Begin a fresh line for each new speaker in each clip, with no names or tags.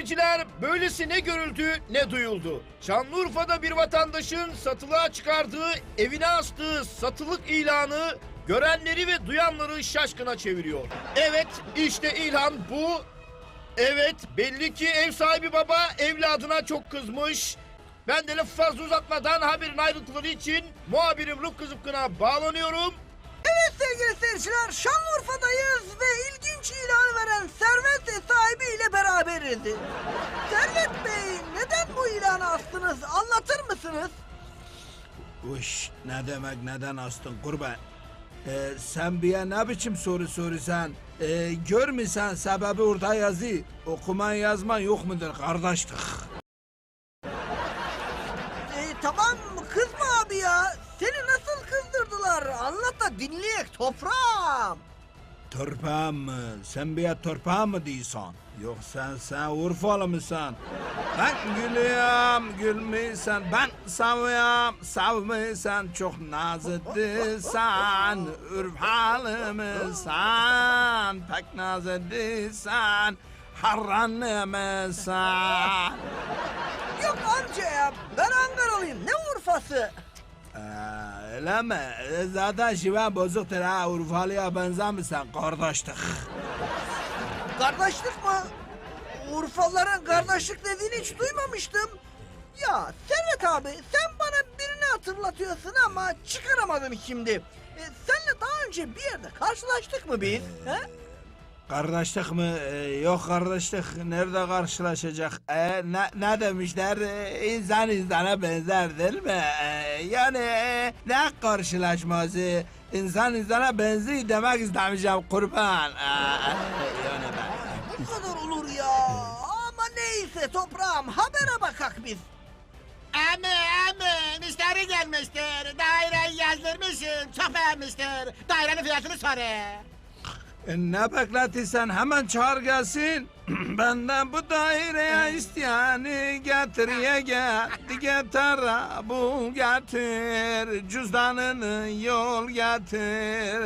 seyirciler, böylesi ne görüldü ne duyuldu. Şanlıurfa'da bir vatandaşın satılığa çıkardığı, evine astığı satılık ilanı görenleri ve duyanları şaşkına çeviriyor. Evet, işte ilan bu. Evet, belli ki ev sahibi baba evladına çok kızmış. Ben de lafı fazla uzatmadan haberin ayrıntıları için muhabirim Rıfkı Zıpkın'a bağlanıyorum.
Evet sevgili seyirciler, Şanlıurfa'dayız ve ilginç ilanı veren Servet sahibiyle beraberiz. Servet Bey, neden bu ilanı astınız, anlatır mısınız?
Uş, ne demek neden astın kurban? Sen bir ne biçim soru soruyorsun? Görmüyorsan sebebi orada yazı. Okuman yazman yok mudur kardeşlik?
Tamam, kızma abi ya. Seni nasıl kızdırdılar? Anlat da dinleyek toprağım.
Torpağım mı? Sen bir torpağım mı diyorsun? Yoksa sen Urfalı mısın? Ben gülüyorum, gülmüyorsan. Ben seviyorum, sevmiyorsan. Çok nazlısan. Urfalı mısın? Pek nazlısan. Harranlı mısın?
Yok amca ya, ben Ankaralıyım. Ne Urfası?
Öyle mi? Zaten şiven bozuktur ha. Urfalı'ya benzemişsin kardeşlik.
Kardeşlik mi? Urfalıların kardeşlik dediğini hiç duymamıştım. Ya Servet abi, sen bana birini hatırlatıyorsun ama çıkaramadım şimdi. Seninle daha önce bir yerde karşılaştık mı biz? He?
Kardeşlik mi? Yok kardeşlik. Nerede karşılaşacak? Ne demişler? İnsan insana benzer değil mi? Yani ne karşılaşması? İnsan insana benziyor demek istemişim kurban. Yani ben...
Bu kadar olur ya. Ama neyse toprağım, habere bakak biz.
Emi, müşteri gelmiştir. Daireyi yazdırmışsın, çok beğenmiştir. Dairenin fiyatını soru.
Ne bekletirsen hemen çağır gelsin. Benden bu daireye isteyeni getir ye getir bul getir cüzdanını yol getir.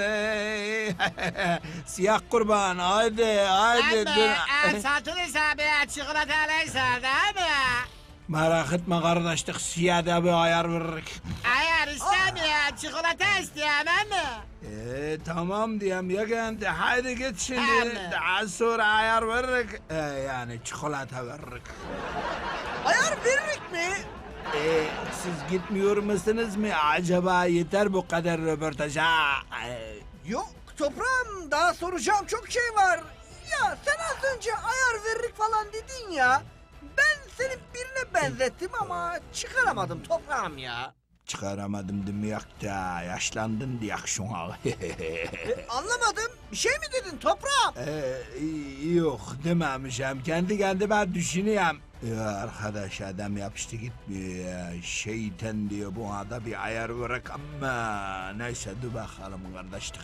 Siyah kurban haydi
Emi, satılırsa bir çikolatalıysa değil mi?
Merak etme kardeşlik siyah da bir ayar veririk.
Eğer istemiyor, çikolata isteyemem mi?
Tamam diyem ya kendi haydi git şimdi
Tamam.
daha sonra ayar veririk. Yani çikolata veririk.
Ayar veririk mi?
Siz gitmiyor musunuz mu acaba yeter bu kadar röportaja?
Yok toprağım, daha soracağım çok şey var. Ya sen az önce ayar veririk falan dedin ya. Ben seni birine benzettim ama çıkaramadım toprağım ya.
Çıkaramadım demek da yaşlandın diye şuna.
Anlamadım. Bir şey mi dedin toprağım?
Yok dememişim. Kendi kendime düşünüyorum. Ya arkadaş adam yapıştı gitmiyor ya. Şeytan diyor bu ada bir ayar bırak ama neyse dur bakalım kardeşlik.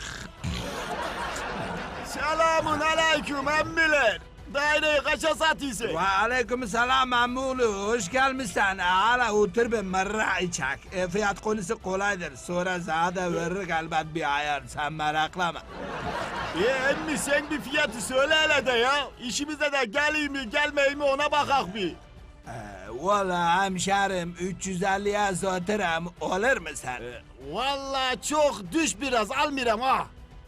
Selamun aleyküm emmiler. Daireyi kaça satıyorsun?
Ve aleyküm selam Mamulu. Hoş gelmişsin. Hala otur bir mırra içek. Fiyat konusu kolaydır. Sonra sana da veririk elbet bir ayar. Sen meraklama.
Emmi sen bir fiyatı söyle hele de ya. İşimize de geleyim mi gelmeyeyim mi ona bakak bir.
Valla hemşerim 350'ye satırım. Olur mu sen?
Vallahi çok düş biraz almıram ha.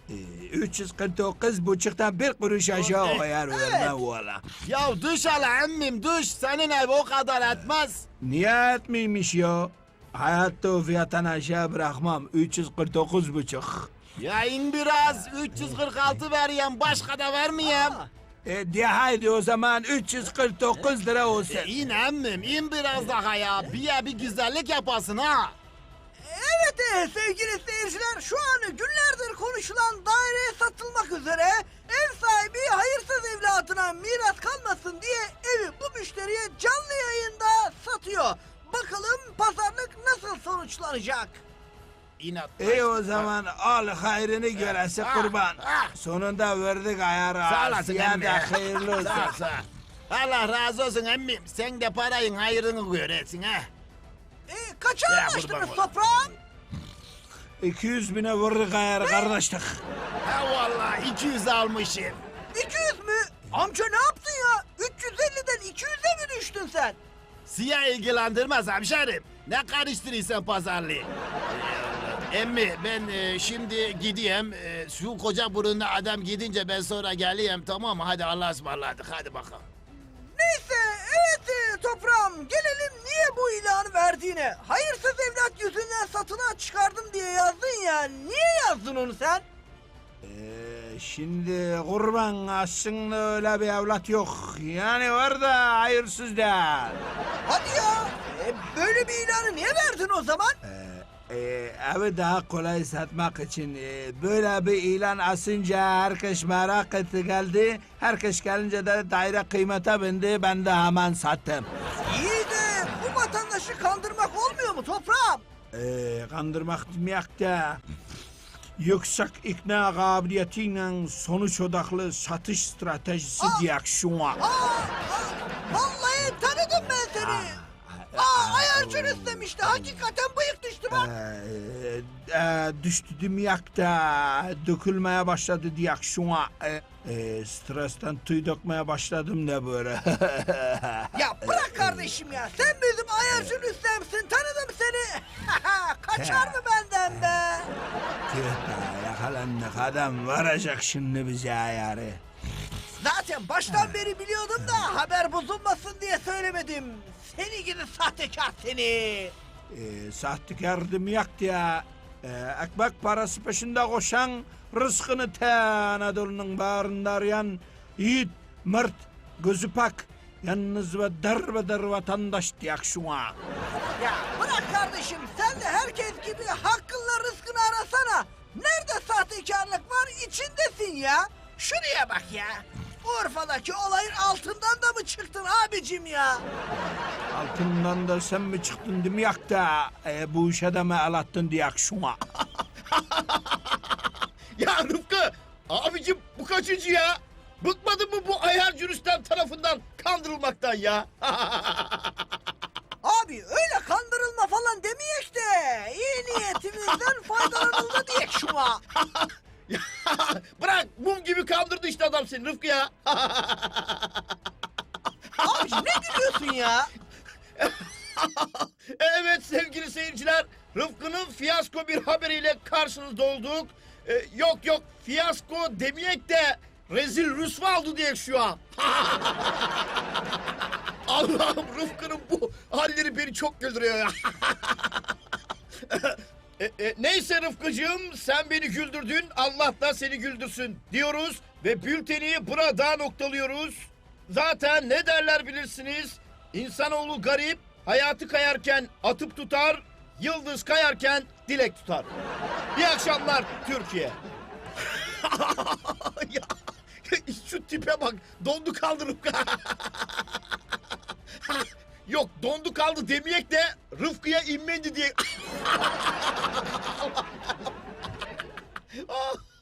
349 buçuktan bir kuruş aşağı koyar vermem valla.
Ya düş hele emmim düş. Senin ev o kadar etmez.
Niye etmiymiş ya? Hayatta o fiyattan aşağı bırakmam. 349 buçuk.
Ya in biraz 346 vereyim başka da vermeyeyim.
De haydi o zaman 349 lira olsun.
İn emmim in biraz daha ya. Bir güzellik yapasın ha.
Evet sevgili seyirciler, şu an günlerdir konuşulan daireye satılmak üzere ev sahibi hayırsız evladına miras kalmasın diye evi bu müşteriye canlı yayında satıyor. Bakalım pazarlık nasıl sonuçlanacak?
İnat.
İyi o zaman al hayrını göresi kurban. Sonunda verdik ayarı.
Sağ olasın
Ya
emmi.
da hayırlı olsun.
Sağ ol, sağ ol. Allah razı olsun emmim. Sen de parayın hayrını göresin ha.
Kaça
Ya,
anlaştınız
kurban olayım.
toprağım?
200 bine vururuk ayarı kardeşlik.
Ha vallahi 200 almışım.
200 mü? Amca ne yaptın ya? 350'den düştün sen?
Siyah ilgilendirmez hemşerim. Ne karıştırıyorsun pazarlığı? Emmi ben şimdi gideyim. Şu koca burunlu adam gidince ben sonra geleyim, tamam mı? Hadi Allah'a ısmarladık, hadi bakalım.
Neyse evet toprağım gelelim niye bu ilanı verdiğine. Hayırsız evlat yüzünden satılığa çıkardım diye yazdın ya. Niye yazdın onu sen?
Şimdi kurban aslında öyle bir evlat yok. Yani var da hayırsız değil.
Hadi ya. Böyle bir ilanı niye verdin o zaman?
Evi daha kolay satmak için böyle bir ilan asınca herkes merak etti geldi. Herkes gelince de daire kıymete bindi, ben de hemen sattım.
İyi de bu vatandaşı kandırmak olmuyor mu toprağım?
Kandırmak demek de yüksek ikna kabiliyetiyle sonuç odaklı satış stratejisi diye şuna.
Vallahi tanıdım ben seni. Ayarcı Rüstem işte hakikaten bıyık düştü bak.
Düştü demek de dökülmeye başladı diye şuna. Stresten tüy dökmeye başladım da böyle.
Ya bırak kardeşim ya. Sen bizim Ayarcı Rüstem'sin. Tanıdım seni. Kaçar mı benden be?
Tüh be, yakalandık, adam varacak şimdi bize ayarı.
Zaten baştan beri biliyordum da haber bozulmasın diye söylemedim. Seni gidi sahtekar seni.
Sahtekar demek ya. Ekmek parası peşinde koşan, rızkını te Anadolu'nun bağrında arayan yiğit, mert, gözü pak, yalnız ve derbeder vatandaş diye şuna.
Ya bırak kardeşim sen de herkes gibi hakkınla rızkını arasana. Nerede sahtekarlık var içindesin ya. Şuraya bak ya. Urfa'daki olayın altından da mı çıktın abicim ya?
Altından da sen mi çıktın demek de bu işe de mi el attın diye şuna.
Ya Rıfkı, abicim bu kaçıncı ya? Bıkmadın mı bu ayarcı Rüstem tarafından kandırılmaktan ya?
Abi öyle kandırılma falan demeyek de iyi niyetimizden faydalanıldı diyek şuna.
Ya, bırak, mum gibi kandırdı işte adam seni Rıfkı ya.
Abiciğim ne gülüyorsun ya?
Evet sevgili seyirciler, Rıfkı'nın fiyasko bir haberiyle karşınızda olduk. Yok fiyasko demeyek de rezil rüsva oldu diye şu an. Allah'ım, Rıfkı'nın bu halleri beni çok güldürüyor ya. Neyse Rıfkıcığım, sen beni güldürdün, Allah da seni güldürsün diyoruz ve bülteni burada noktalıyoruz. Zaten ne derler bilirsiniz, insanoğlu garip, hayatı kayarken atıp tutar, yıldız kayarken dilek tutar. İyi akşamlar Türkiye. Ya, şu tipe bak, dondu kaldı Rıfkı. Yok, dondu kaldı demeyek de Rıfkı'ya inmendi diye.